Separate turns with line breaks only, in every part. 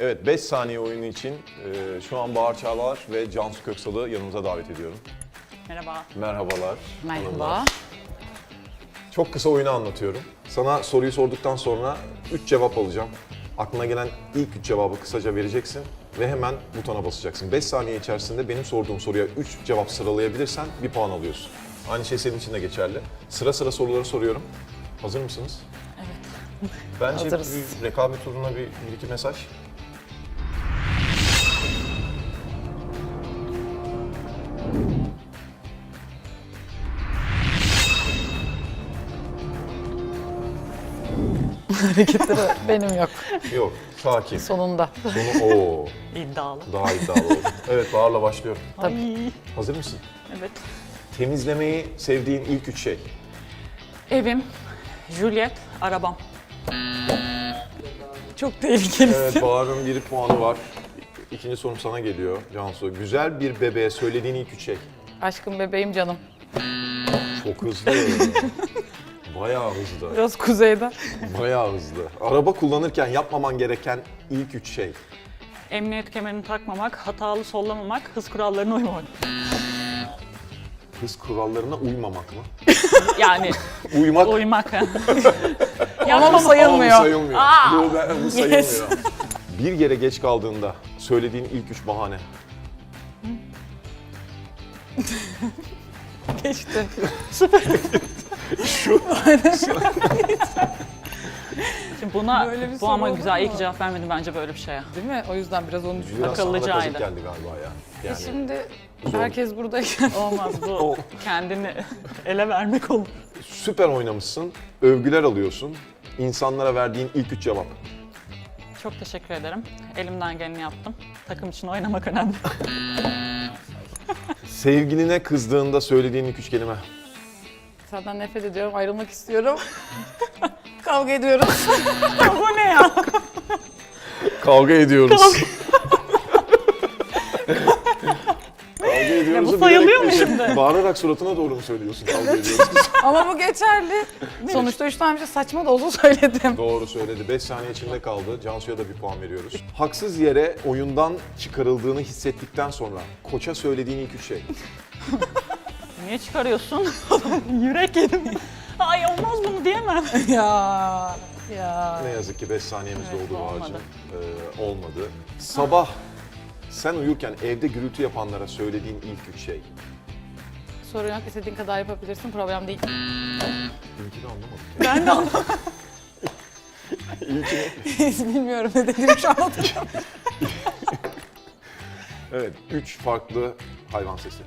Evet, 5 saniye oyunu için şu an Bahar Çağlar ve Cansu Köksal'ı yanımıza davet ediyorum.
Merhaba.
Merhabalar.
Merhaba.
hanımlar. Çok kısa oyunu anlatıyorum. Sana soruyu sorduktan sonra 3 cevap alacağım. Aklına gelen ilk 3 cevabı kısaca vereceksin ve hemen butona basacaksın. 5 saniye içerisinde benim sorduğum soruya 3 cevap sıralayabilirsen bir puan alıyorsun. Aynı şey senin için de geçerli. Sıra sıra soruları soruyorum. Hazır mısınız?
Evet.
Bence
Hazırız.
bir rekabet uğruna bir iki mesaj.
Hareketleri benim yok.
Yok, sakin.
Sonunda.
Sonu o
İddialı.
daha iddialı oldu. Evet, Bahar'la başlıyorum.
Ay.
Hazır mısın?
Evet.
Temizlemeyi sevdiğin ilk 3 şey.
Evim, Juliet, arabam. Çok tehlikelisin.
Evet, Bahar'ın bir puanı var. İkinci sorum sana geliyor Cansu. Güzel bir bebeğe söylediğin ilk 3 şey.
Aşkım bebeğim canım.
Çok hızlı. Bayağı hızlı.
Biraz kuzeyde.
Bayağı hızlı. Araba kullanırken yapmaman gereken ilk 3 şey.
Emniyet kemerini takmamak, hatalı sollamamak, hız kurallarına uymamak.
Hız kurallarına uymamak mı?
Yani
Uymak.
uymak.
Ama bu sayılmıyor.
Aa, bu sayılmıyor. Bu sayılmıyor.
Yes.
Bir yere geç kaldığında söylediğin ilk 3 bahane.
Geçti.
Şimdi buna
Böyle bir
bu
soru
ama
olur
güzel. İyi
mu?
ki cevap vermedim bence böyle bir şeye.
Değil mi? O yüzden biraz onu düşündüm.
Biraz sana da
Akıllıcaydı.
kazık geldi galiba ya. Yani
Şimdi
zor.
herkes buradayken
Olmaz bu. Kendini ele vermek olur.
süper oynamışsın, övgüler alıyorsun. İnsanlara verdiğin ilk 3 cevap.
Çok teşekkür ederim. Elimden geleni yaptım. Takım için oynamak önemli.
Sevgiline kızdığında söylediğin ilk 3 kelime.
senden nefret ediyorum, ayrılmak istiyorum. Kavga ediyoruz.
Bu ne ya?
Kavga ediyoruz. Kavga ediyoruz.
Ya bu sayılıyor mu şimdi?
Bağırarak suratına doğru mu söylüyorsun kavga ediyoruz?
Ama bu geçerli. Sonuçta 3 tane bir şey saçma da olsa söyledim.
Doğru söyledi. 5 saniye içinde kaldı. Cansu'ya da bir puan veriyoruz. Haksız yere oyundan çıkarıldığını hissettikten sonra koça söylediğin ilk 3 şey.
Niye çıkarıyorsun? Yürek yedim. Ay olmaz bunu diyemem.
Ya.
Ne yazık ki 5 saniyemiz
Evet,
doldu
olmadı.
Bahar'cığım. Olmadı. Sabah sen uyurken evde gürültü yapanlara söylediğin ilk 3 şey.
Sorun yok, istediğin kadar yapabilirsin, problem değil.
İlkini anlamadım.
Ben de anlamadım.
İlkini.
Bilmiyorum ne dediğimi şu an hatırlamıyorum.
Evet, 3 farklı hayvan sesi.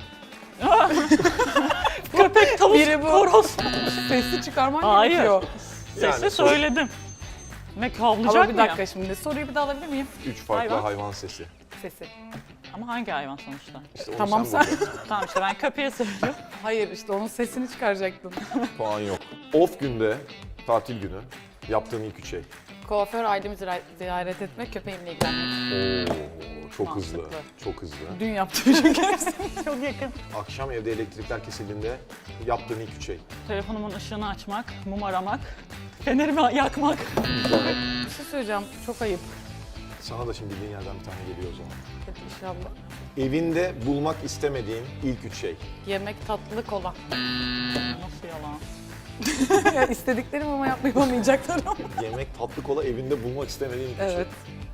Köpek, tavus,
Biri bu.
horoz.
Sesi çıkarman
Hayır.
gerekiyor.
Sesi
Yani
söyledim. Ne havlayacak
Ama bir
mı
dakika
ya?
şimdi, soruyu bir daha alabilir miyim?
3 farklı
Hayvan.
hayvan sesi.
Sesi.
Ama hangi hayvan sonuçta?
İşte onu
Tamam, sen-
bulacaksın.
Tamam işte ben köpeğe söylüyorum.
Hayır, işte onun sesini çıkaracaktın.
Puan yok. Off günde, tatil günü yaptığın ilk 3 şey.
Kuaför ailemi ziyaret etmek, köpeğimle ilgilenmek.
Oo, çok hızlı.
Mantıklı.
Çok hızlı.
Dün yaptım çünkü hepsini.
Çok yakın.
Akşam evde elektrikler kesildiğinde yaptığın ilk 3 şey.
Telefonumun ışığını açmak, mum aramak, fenerimi yakmak.
Bir şey söyleyeceğim, çok ayıp.
Sana da şimdi bildiğin yerden bir tane geliyor o zaman.
Hadi inşallah.
Evinde bulmak istemediğin ilk 3 şey.
Yemek, tatlı, kola.
Nasıl yalan?
Ya istediklerim ama yapamayacaklarım.
Yemek, tatlı kola evinde bulmak istemediğin ilk 3
Evet.
şey.